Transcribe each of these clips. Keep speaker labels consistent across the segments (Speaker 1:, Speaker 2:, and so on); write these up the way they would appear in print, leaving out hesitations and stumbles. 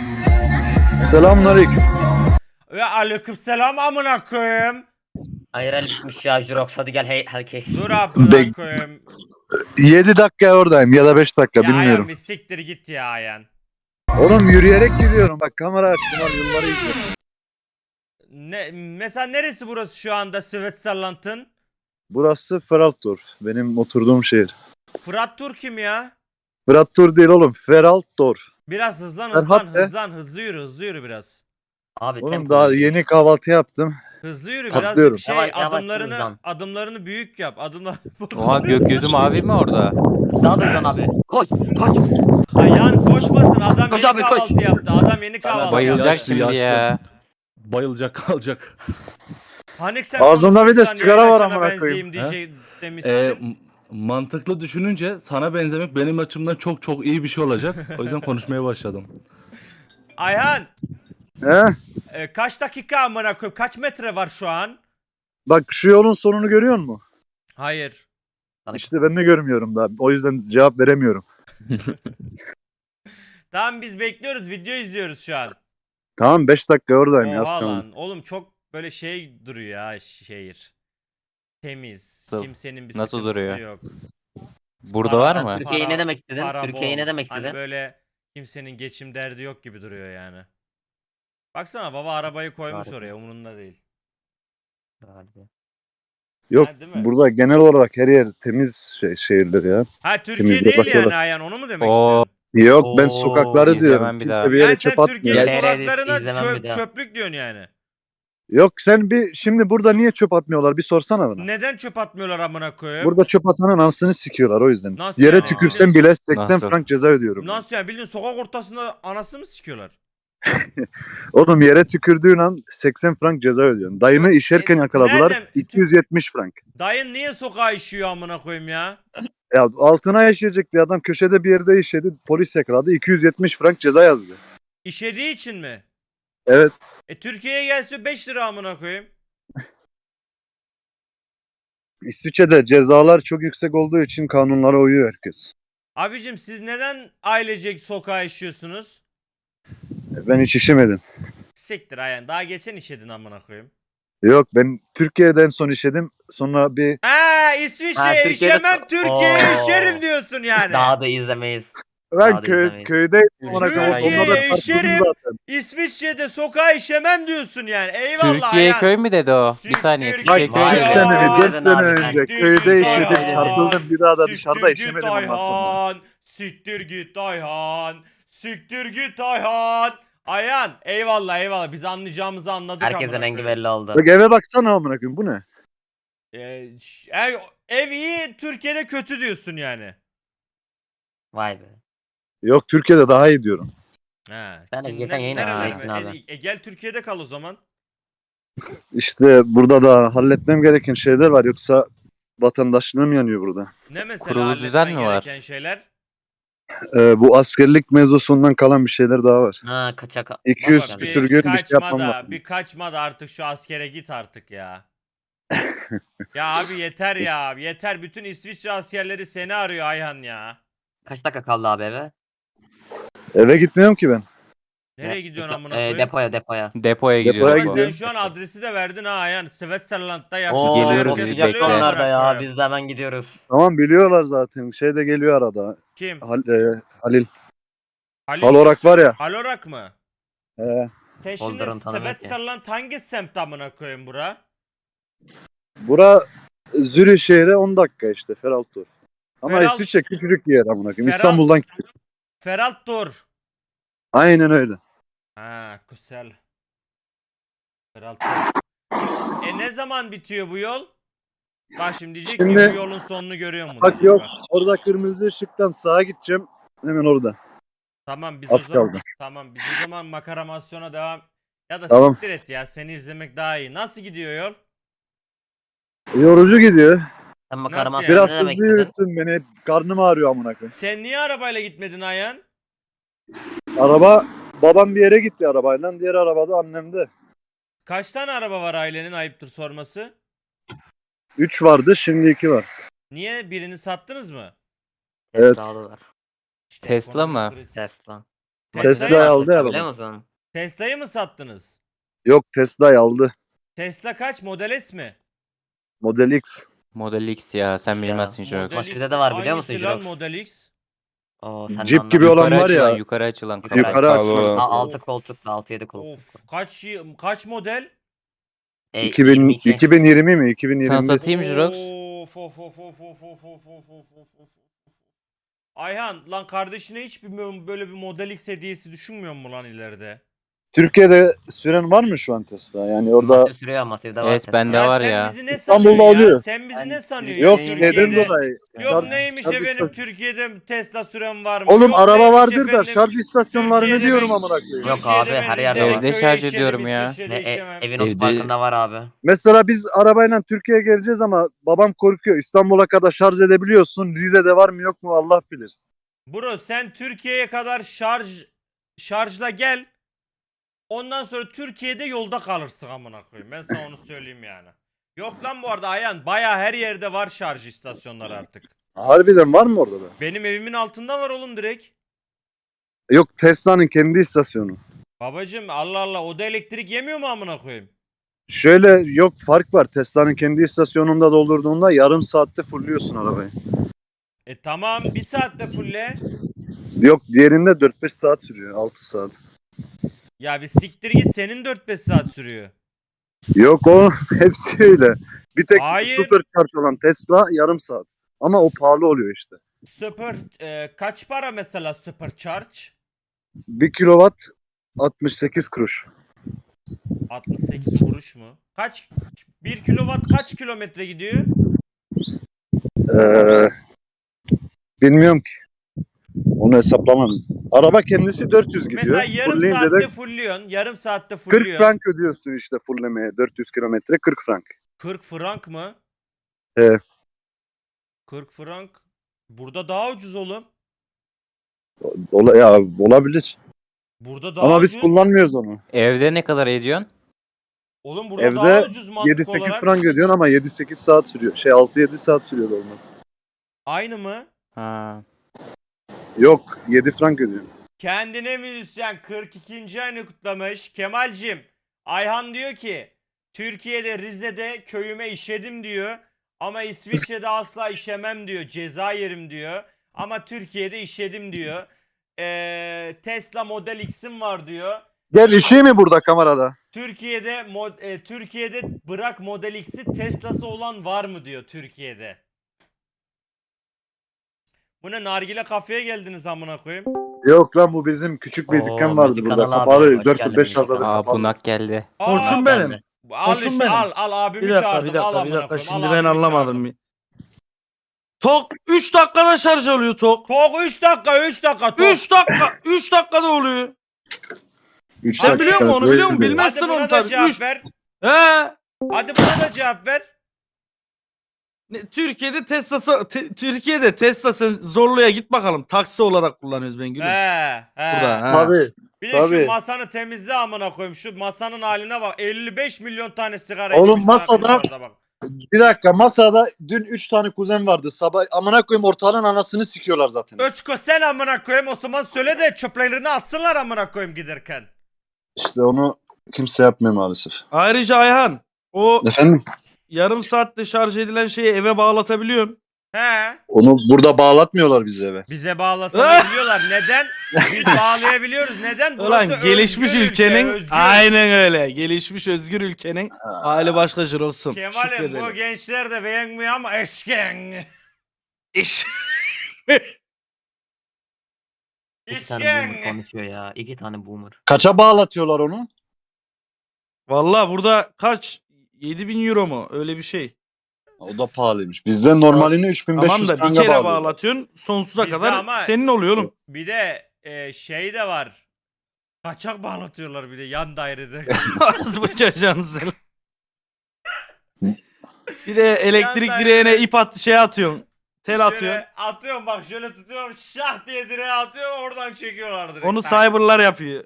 Speaker 1: Selamünaleyküm.
Speaker 2: Ve aleykümselam amına koyayım.
Speaker 3: Hayır elbitmiş ya Jurox, hadi gel herkes.
Speaker 2: Dur amına koyayım.
Speaker 1: 7 dakika oradayım ya da 5 dakika
Speaker 2: Ya
Speaker 1: bilmiyorum.
Speaker 2: Ayhan bir siktir git ya Ayhan.
Speaker 1: Oğlum yürüyerek gidiyorum. Bak kamera açtım al yılları izliyorum.
Speaker 2: Mesela neresi burası şu anda Switzerland'ın?
Speaker 1: Burası Feraltdorf. Benim oturduğum şehir.
Speaker 2: Fırat Tur kim ya?
Speaker 1: Feraltdorf değil oğlum. Feraltdorf.
Speaker 2: Biraz hızlan
Speaker 1: Ferhat be.
Speaker 2: hızlı yürü biraz.
Speaker 3: Abi
Speaker 1: Oğlum
Speaker 3: tempo
Speaker 1: daha
Speaker 3: iyi.
Speaker 1: yeni kahvaltı yaptım.
Speaker 2: Hızlı yürü
Speaker 1: Atlıyorum.
Speaker 2: birazcık
Speaker 3: Yavaş, yavaş
Speaker 2: adımlarını
Speaker 3: hızlan.
Speaker 2: adımlarını büyük yap.
Speaker 4: Oha gökyüzü mavi mi orada?
Speaker 3: Daha da hızlan abi. Koş koş.
Speaker 2: Ayhan koşmasın adam
Speaker 3: Koş
Speaker 2: yeni
Speaker 3: abi, koş.
Speaker 2: kahvaltı yaptı. Adam yeni kahvaltı
Speaker 4: Bayılacak
Speaker 2: yaptı.
Speaker 4: şimdi ya.
Speaker 5: Bayılacak kalacak.
Speaker 2: Hani sen
Speaker 1: Ağzında bir de
Speaker 2: konuşmuşsan
Speaker 1: sigara
Speaker 2: yayın
Speaker 1: var
Speaker 2: açana
Speaker 1: amına koyayım.
Speaker 2: benzeyeyim demişsin.
Speaker 5: Mantıklı düşününce sana benzemek benim açımdan çok çok iyi bir şey olacak. O yüzden konuşmaya başladım.
Speaker 2: Ayhan
Speaker 1: He?
Speaker 2: kaç dakika amına koyayım? Kaç metre var şu an?
Speaker 1: Bak şu yolun sonunu görüyor musun?
Speaker 2: Hayır.
Speaker 1: İşte ben de görmüyorum daha. O yüzden cevap veremiyorum.
Speaker 2: Tamam biz bekliyoruz. Video izliyoruz şu an.
Speaker 1: Tamam 5 dakika oradayım ya.
Speaker 2: Oha
Speaker 1: sıkıldım.
Speaker 2: lan. Oğlum çok böyle şey duruyor ya şehir. Temiz.
Speaker 4: Nasıl?
Speaker 2: Kimsenin bir
Speaker 4: Nasıl
Speaker 2: sıkıntısı
Speaker 4: duruyor?
Speaker 2: yok.
Speaker 4: Burada var mı?
Speaker 3: Türkiye'yi ne demek istedin?
Speaker 2: para
Speaker 3: Türkiye'yi
Speaker 2: bol.
Speaker 3: ne demek
Speaker 2: Hani
Speaker 3: istedin?
Speaker 2: böyle kimsenin geçim derdi yok gibi duruyor yani. Baksana baba arabayı koymuş
Speaker 3: Harika.
Speaker 2: oraya umurunda değil.
Speaker 1: Yok
Speaker 2: Ha, değil mi?
Speaker 1: burada genel olarak her yer temiz şehirler ya.
Speaker 2: Ha Türkiye
Speaker 1: Temizliğe
Speaker 2: değil yani
Speaker 1: bakıyorlar.
Speaker 2: Ayhan onu mu demek
Speaker 4: Oo.
Speaker 2: istiyorsun?
Speaker 1: Yok ben
Speaker 3: Oo,
Speaker 1: sokakları
Speaker 4: izlemem
Speaker 1: diyorum.
Speaker 4: bir
Speaker 1: Kimse
Speaker 4: daha.
Speaker 1: bir yere
Speaker 2: Yani
Speaker 1: çöp
Speaker 2: sen
Speaker 1: atmıyor.
Speaker 2: Türkiye'nin
Speaker 3: Gel-
Speaker 2: sokaklarına
Speaker 3: İzlemem bir daha.
Speaker 2: çöplük diyorsun yani.
Speaker 1: Yok sen bir şimdi burada niye çöp atmıyorlar bir sorsana bana.
Speaker 2: Neden çöp atmıyorlar amına koyayım?
Speaker 1: Burada çöp atanın anasını sikiyorlar o yüzden.
Speaker 2: Nasıl
Speaker 1: Yere
Speaker 2: yani?
Speaker 1: tükürsen bile 80
Speaker 4: Nasıl?
Speaker 1: frank ceza ödüyorum.
Speaker 2: Nasıl yani bildiğin sokak ortasında anasını mı sikiyorlar?
Speaker 1: Oğlum yere tükürdüğün an 80 frank ceza ödüyorsun. Dayımı işerken yakaladılar
Speaker 2: nereden?
Speaker 1: 270 frank.
Speaker 2: Dayın niye sokağa işiyor amına koyayım ya?
Speaker 1: Ya altına yaşayacak diye adam köşede bir yerde işedi polis yakaladı 270 frank ceza yazdı.
Speaker 2: İşediği için mi?
Speaker 1: Evet.
Speaker 2: Türkiye'ye gelse 5 lira amına koyayım.
Speaker 1: İsviçre'de cezalar çok yüksek olduğu için kanunlara uyuyor herkes.
Speaker 2: Abicim siz neden ailecek sokağa işiyorsunuz?
Speaker 1: Ben hiç işemedim.
Speaker 2: Siktir Ayhan. Daha geçen işedin amına koyayım.
Speaker 1: Yok ben Türkiye'den son işedim. Sonra bir
Speaker 2: İsviçre'ye
Speaker 3: Ha, Türkiye'de-
Speaker 2: işemem Türkiye'ye
Speaker 3: Oo.
Speaker 2: işerim diyorsun yani.
Speaker 3: Daha da izlemeyiz.
Speaker 1: ben
Speaker 3: Hadi izlemeyin.
Speaker 1: köydeydim.
Speaker 2: Türkiye'ye
Speaker 1: Onunla da karşıladım
Speaker 2: işerim.
Speaker 1: zaten.
Speaker 2: İsviçre'de sokağa işemem diyorsun yani. Eyvallah
Speaker 4: Türkiye
Speaker 2: Ayhan.
Speaker 4: köy mü dedi o? Bir
Speaker 2: Siktir
Speaker 4: saniye.
Speaker 2: git.
Speaker 4: Türkiye köy
Speaker 3: Vay
Speaker 4: mü
Speaker 1: 3
Speaker 3: be.
Speaker 4: dedi?
Speaker 1: sene mi 4
Speaker 3: Aynen
Speaker 1: sene
Speaker 3: abi,
Speaker 1: önce
Speaker 2: siktir
Speaker 1: köyde
Speaker 2: git
Speaker 1: işedim
Speaker 2: Ayhan.
Speaker 1: çarpıldım bir daha da
Speaker 2: Siktir
Speaker 1: dışarıda
Speaker 2: git
Speaker 1: işemedim ondan sonra.
Speaker 2: Ayhan. Siktir git Ayhan. Siktir git Ayhan. Ayhan eyvallah biz anlayacağımızı anladık
Speaker 3: Herkesin
Speaker 2: amına
Speaker 3: rengi
Speaker 2: koyayım.
Speaker 3: belli oldu.
Speaker 1: Bak eve baksana amına koyayım bu ne?
Speaker 2: Ev iyi Türkiye'de kötü diyorsun yani.
Speaker 3: Vay be.
Speaker 1: Yok Türkiye'de daha iyi diyorum.
Speaker 2: Ha.
Speaker 3: Ben de
Speaker 2: kim-
Speaker 3: geçen yayın
Speaker 2: nereler-
Speaker 3: açtım abi.
Speaker 2: Gel Türkiye'de kal o zaman.
Speaker 1: İşte burada da halletmem gereken şeyler var yoksa vatandaşlığım yanıyor burada.
Speaker 2: Ne mesela
Speaker 4: Kurulu
Speaker 2: halletmen
Speaker 4: düzen mi var?
Speaker 2: gereken şeyler?
Speaker 1: Bu askerlik mevzusundan kalan bir şeyler daha var.
Speaker 3: Ha kaçak.
Speaker 1: 200
Speaker 2: Baba,
Speaker 1: küsür gün bir şey yapmam lazım.
Speaker 2: bir kaçma da artık şu askere git artık ya. Ya abi yeter ya. Yeter. Bütün İsviçre askerleri seni arıyor Ayhan ya.
Speaker 3: Kaç dakika kaldı abi eve?
Speaker 1: Eve gitmiyorum ki ben.
Speaker 2: Nereye
Speaker 3: Ne?
Speaker 2: gidiyorsun amına koyayım?
Speaker 3: Depoya.
Speaker 4: Depoya
Speaker 1: Depoya
Speaker 4: gidiyoruz.
Speaker 2: Ama sen
Speaker 1: gidiyorum.
Speaker 2: şu an adresi de verdin ha Ayhan. Switzerland'da
Speaker 3: Oo,
Speaker 2: yaşlı.
Speaker 4: Geliyoruz
Speaker 3: çok
Speaker 4: biz,
Speaker 3: sıcak
Speaker 4: bekle.
Speaker 3: konularda ya. Biz de hemen gidiyoruz.
Speaker 1: Tamam biliyorlar zaten. Şey de geliyor arada.
Speaker 2: Kim?
Speaker 1: Halil.
Speaker 2: Halil.
Speaker 1: Halorak var ya.
Speaker 2: Halorak mı? Teşhinde
Speaker 3: Holder'ın tanımıyor ki.
Speaker 2: Switzerland hangi semt amına koyayım bura?
Speaker 1: Bura Zürih şehre 10 dakika işte Feraltdorf. Ama
Speaker 2: Feralt-
Speaker 1: İsviçre küçücük bir yer amına koyayım.
Speaker 2: Feralt-
Speaker 1: İstanbul'dan küçük.
Speaker 2: Feraltdor.
Speaker 1: Aynen öyle.
Speaker 2: Ha güzel. Feraltdor. Ne zaman bitiyor bu yol? Bak şimdi diyecek ki
Speaker 1: Şimdi-
Speaker 2: bu yolun sonunu görüyor musun?
Speaker 1: Bak yok. Orada kırmızı ışıktan sağa gideceğim. Hemen orada.
Speaker 2: Tamam biz
Speaker 1: Az
Speaker 2: o zaman
Speaker 1: kaldı.
Speaker 2: tamam biz o zaman makaramasyona devam ya da
Speaker 1: Tamam.
Speaker 2: siktir et ya seni izlemek daha iyi. Nasıl gidiyor yol?
Speaker 1: Yorucu gidiyor.
Speaker 3: Sen
Speaker 2: Nasıl
Speaker 3: makarama
Speaker 2: yani?
Speaker 1: Biraz
Speaker 3: ne demek
Speaker 1: hızlı
Speaker 3: istedin?
Speaker 1: yürüttün beni. Karnım ağrıyor amına koyayım.
Speaker 2: Sen niye arabayla gitmedin Ayhan?
Speaker 1: Araba babam bir yere gitti arabayla. Diğer arabada annem de.
Speaker 2: Kaç tane araba var ailenin ayıptır sorması?
Speaker 1: 3 vardı şimdi 2 var.
Speaker 2: Niye birini sattınız mı?
Speaker 1: Evet.
Speaker 3: Tesla'lı var.
Speaker 2: İşte
Speaker 4: Tesla
Speaker 2: ekonomik
Speaker 4: mı?
Speaker 2: kriz.
Speaker 3: Tesla.
Speaker 1: Tesla'yı aldı ya
Speaker 3: Biliyor
Speaker 1: baba.
Speaker 3: musun?
Speaker 2: Tesla'yı mı sattınız?
Speaker 1: Yok, Tesla'yı aldı.
Speaker 2: Tesla kaç? Model S mi?
Speaker 1: Model X.
Speaker 4: Model X ya sen
Speaker 3: Ya,
Speaker 4: bilmezsin Jirox.
Speaker 2: Model
Speaker 3: Başka
Speaker 2: X
Speaker 3: bir de var biliyor
Speaker 2: hangisi
Speaker 3: musun
Speaker 2: lan
Speaker 3: Jirox?
Speaker 2: Model X?
Speaker 3: Oo, sen de
Speaker 1: Jeep gibi
Speaker 3: anlamadın.
Speaker 1: olan
Speaker 4: Yukarı
Speaker 1: var ya.
Speaker 4: açılan, yukarı açılan kapı.
Speaker 1: Yukarı açılan.
Speaker 5: Pahalı.
Speaker 3: 6 koltuklu, 6-7 koltuklu.
Speaker 2: Of kaç model?
Speaker 1: 2000,
Speaker 3: 22.
Speaker 1: 2020 mi?
Speaker 4: Sana
Speaker 1: 2021.
Speaker 4: satayım Jirox.
Speaker 2: Of. Ayhan lan kardeşine hiç böyle bir Model X hediyesi düşünmüyor mu lan ileride?
Speaker 1: Türkiye'de süren var mı şu an Tesla? Yani orada
Speaker 3: Masif sürüyor, Masif'de var.
Speaker 4: Evet,
Speaker 3: Tesla.
Speaker 4: bende var
Speaker 2: sen
Speaker 4: ya.
Speaker 2: bizi ne
Speaker 1: İstanbul'da
Speaker 2: sanıyorsun ya?
Speaker 1: oluyor.
Speaker 2: Sen bizi ne sanıyorsun
Speaker 1: yok
Speaker 2: ya
Speaker 1: şeyden
Speaker 2: Türkiye'de?
Speaker 1: dolayı.
Speaker 2: Yok
Speaker 1: Şarj-
Speaker 2: neymiş
Speaker 1: şarj
Speaker 2: efendim
Speaker 1: istasyon-
Speaker 2: Türkiye'de Tesla süren var mı?
Speaker 1: Oğlum
Speaker 2: Yok
Speaker 1: araba
Speaker 2: neymiş
Speaker 1: vardır da
Speaker 2: efendim,
Speaker 1: şarj istasyonlarını
Speaker 2: Türkiye'de
Speaker 1: diyorum
Speaker 2: ben-
Speaker 1: amına koyayım.
Speaker 3: Yok
Speaker 2: Türkiye'de
Speaker 3: abi,
Speaker 2: ben
Speaker 3: her yerde
Speaker 2: Rize'de
Speaker 3: var.
Speaker 4: Evde
Speaker 2: köyde
Speaker 4: şarj
Speaker 2: işedim,
Speaker 4: ediyorum ya.
Speaker 2: İsviçre'de işemem.
Speaker 3: Evin
Speaker 6: Evde-
Speaker 3: otoparkında var abi.
Speaker 1: Mesela biz arabayla Türkiye'ye geleceğiz ama babam korkuyor. İstanbul'a kadar şarj edebiliyorsun. Rize'de var mı yok mu Allah bilir.
Speaker 2: Bro sen Türkiye'ye kadar şarjla gel. Ondan sonra Türkiye'de yolda kalırsın amına koyayım. Ben sana onu söyleyeyim yani. Yok lan bu arada Ayhan baya her yerde var şarj istasyonları artık.
Speaker 1: Harbiden var mı orada da?
Speaker 2: Benim evimin altında var oğlum direkt.
Speaker 1: Yok, Tesla'nın kendi istasyonu.
Speaker 2: Babacım Allah Allah o da elektrik yemiyor mu amına koyayım?
Speaker 1: Şöyle yok, fark var. Tesla'nın kendi istasyonunda doldurduğunda yarım saatte fulluyorsun arabayı.
Speaker 2: Tamam bir saatte fulle.
Speaker 1: Yok, diğerinde 4-5 saat sürüyor. 6 saat.
Speaker 2: Ya bir siktir git senin 4-5 saat sürüyor.
Speaker 1: Yok, o hepsi öyle. Bir tek
Speaker 2: Hayır.
Speaker 1: supercharge olan Tesla yarım saat. Ama o pahalı oluyor işte.
Speaker 2: Kaç para mesela supercharge?
Speaker 1: 1 kilowatt 68 kuruş.
Speaker 2: 68 kuruş mu? 1 kilowatt kaç kilometre gidiyor?
Speaker 1: Ee, bilmiyorum ki. Onu hesaplamam. Araba kendisi 400 gidiyor.
Speaker 2: Mesela yarım
Speaker 1: Fullleyince
Speaker 2: saatte
Speaker 1: de
Speaker 2: fullüyorsun. Yarım saatte
Speaker 1: 40
Speaker 2: fullüyorsun.
Speaker 1: frank ödüyorsun işte fullemeye. 400 kilometre 40 frank.
Speaker 2: 40 frank mı?
Speaker 1: He.
Speaker 2: 40 frank. Burada daha ucuz oğlum.
Speaker 1: Ya olabilir.
Speaker 2: Burada daha
Speaker 1: Ama biz
Speaker 2: ucuz.
Speaker 1: kullanmıyoruz onu.
Speaker 4: Evde ne kadar ediyorsun?
Speaker 2: Oğlum burada
Speaker 1: Evde
Speaker 2: daha ucuz mantık
Speaker 1: 7-8
Speaker 2: olarak.
Speaker 1: frank ödüyorsun ama 7-8 saat sürüyor. 6-7 saat sürüyor da olmaz.
Speaker 2: Aynı mı?
Speaker 4: Ha.
Speaker 1: Yok, 7 frank ödüyorsun.
Speaker 2: Kendine müzisyen 42. ayını kutlamış. Kemal'cim Ayhan diyor ki Türkiye'de Rize'de köyüme işedim diyor. Ama İsviçre'de asla işemem diyor. Ceza yerim diyor. Ama Türkiye'de işedim diyor. Tesla Model X'im var diyor.
Speaker 1: Gel işi mi burada kamerada?
Speaker 2: Türkiye'de bırak Model X'i Tesla'sı olan var mı diyor Türkiye'de. Bu ne nargile kafeye geldiniz amına koyayım.
Speaker 1: Yok lan, bu bizim küçük bir
Speaker 3: Oo,
Speaker 1: dükkan vardı
Speaker 3: müzik
Speaker 1: burada.
Speaker 3: kanalı abi.
Speaker 1: Kapalı.
Speaker 3: Hoş
Speaker 1: 4-5
Speaker 3: geldin müzik
Speaker 1: haftadır
Speaker 3: kanalı.
Speaker 4: Aa,
Speaker 1: kapalı.
Speaker 4: bunak geldi.
Speaker 7: Koçum
Speaker 2: Aa,
Speaker 7: benim.
Speaker 2: Al
Speaker 7: Koçum
Speaker 2: işte
Speaker 7: benim.
Speaker 2: al abimi
Speaker 7: Bir dakika,
Speaker 2: çağırdım.
Speaker 7: bir dakika,
Speaker 2: al
Speaker 7: bir
Speaker 2: amına
Speaker 7: dakika.
Speaker 2: koyayım,
Speaker 7: Şimdi
Speaker 2: al
Speaker 7: ben
Speaker 2: abimi
Speaker 7: anlamadım.
Speaker 2: çağırdım.
Speaker 7: Bir. Tok 3 dakikada şarj oluyor tok.
Speaker 2: Tok 3 dakika 3 dakika tok.
Speaker 7: 3 dakika 3 dakikada oluyor.
Speaker 1: Üç
Speaker 7: Sen
Speaker 1: dakika
Speaker 7: biliyor musun onu,
Speaker 1: böyle
Speaker 7: biliyor musun?
Speaker 1: diyor.
Speaker 7: Bilmezsin
Speaker 2: Hadi
Speaker 7: onu
Speaker 2: buna da
Speaker 7: tabii.
Speaker 2: cevap
Speaker 7: 3.
Speaker 2: ver.
Speaker 7: He.
Speaker 2: Hadi buna da cevap ver.
Speaker 7: Türkiye'de Tesla sen Zorlu'ya git bakalım. Taksi olarak kullanıyoruz ben gülüm.
Speaker 2: He.
Speaker 7: Burada. Ha.
Speaker 1: Tabii.
Speaker 2: Bir de
Speaker 1: Tabii.
Speaker 2: şu masanı temizle amına koyayım. Şu masanın haline bak. 55 milyon tane sigara
Speaker 1: Oğlum
Speaker 2: içmiş
Speaker 1: masada-
Speaker 2: arkadaşlar bak.
Speaker 1: Bir dakika, masada dün 3 tane kuzen vardı. Sabah amına koyayım ortalığın anasını sikiyorlar zaten.
Speaker 2: Öçko sen amına koyayım o zaman söyle de çöplerini atsınlar amına koyayım giderken.
Speaker 1: İşte onu kimse yapmıyor maalesef.
Speaker 7: Ayrıca Ayhan, o
Speaker 1: Efendim?
Speaker 7: yarım saatte şarj edilen şeyi eve bağlatabiliyorsun.
Speaker 2: He.
Speaker 1: Onu burada bağlatmıyorlar bize eve.
Speaker 2: Bize bağlatabiliyorlar. Neden? Biz bağlayabiliyoruz. Neden?
Speaker 7: Ulan
Speaker 2: Burası
Speaker 7: gelişmiş
Speaker 2: özgür ülke,
Speaker 7: ülkenin
Speaker 2: özgür.
Speaker 7: aynen öyle. Gelişmiş özgür ülkenin hali başka olsun.
Speaker 2: Kemal'im bu gençler de beğenmiyor ama eşken.
Speaker 7: İş.
Speaker 3: 2 tane boomer
Speaker 2: İşken.
Speaker 3: konuşuyor ya. 2 tane boomer.
Speaker 1: Kaça bağlatıyorlar onu?
Speaker 7: Valla burada kaç? 7.000 euro mu? Öyle bir şey.
Speaker 1: O da pahalıymış. Bizde normalini 3500
Speaker 7: Tamam da bir
Speaker 1: franga
Speaker 7: kere
Speaker 1: bağlıyor.
Speaker 7: bağlatıyorsun. Sonsuza
Speaker 2: Bizde
Speaker 7: kadar
Speaker 2: ama-
Speaker 7: senin oluyor oğlum.
Speaker 2: Bir de şey de var. Kaçak bağlatıyorlar bir de yan dairede.
Speaker 7: Az bu çocuğunuz. Bir de elektrik
Speaker 2: Yan
Speaker 7: direğine
Speaker 2: dairede-
Speaker 7: ip atıyorsun. Tel atıyorsun.
Speaker 2: Şöyle atıyorum bak şöyle tutuyorum şah diye direğe atıyorum oradan çekiyorlar direkt.
Speaker 7: Onu
Speaker 2: Tak.
Speaker 7: cyberlar yapıyor.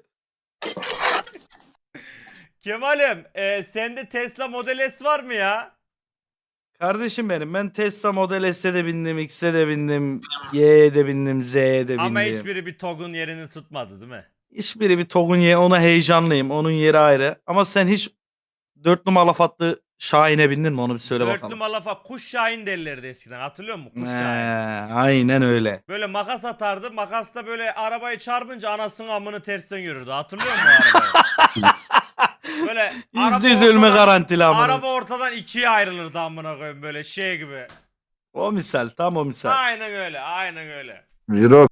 Speaker 2: Kemal'im sende Tesla Model S var mı ya?
Speaker 7: Kardeşim benim, ben Tesla Model S'e de bindim, X'e de bindim, Y'ye de bindim, Z'ye de bindim.
Speaker 2: Ama hiçbiri bir TOG'un yerini tutmadı değil mi?
Speaker 7: Hiçbiri bir Togunye, ona heyecanlıyım. Onun yeri ayrı. Ama sen hiç 4 numaralı fatlı Şahin'e bindin mi? Onu bir söyle
Speaker 2: Dörtlü
Speaker 7: bakalım.
Speaker 2: malafa kuş şahin derlerdi eskiden, hatırlıyor musun? Kuş şahin.
Speaker 7: Aynen öyle.
Speaker 2: Böyle makas atardı. Makasla böyle arabayı çarpınca anasının amını tersten yürürdü. Hatırlıyor musun o arabayı? Böyle
Speaker 7: %100 ölme garantili amına.
Speaker 2: araba ortadan ikiye ayrılırdı amına koyayım, böyle şey gibi.
Speaker 7: O misal, tam o misal.
Speaker 2: Aynen öyle, aynen öyle.
Speaker 1: Euro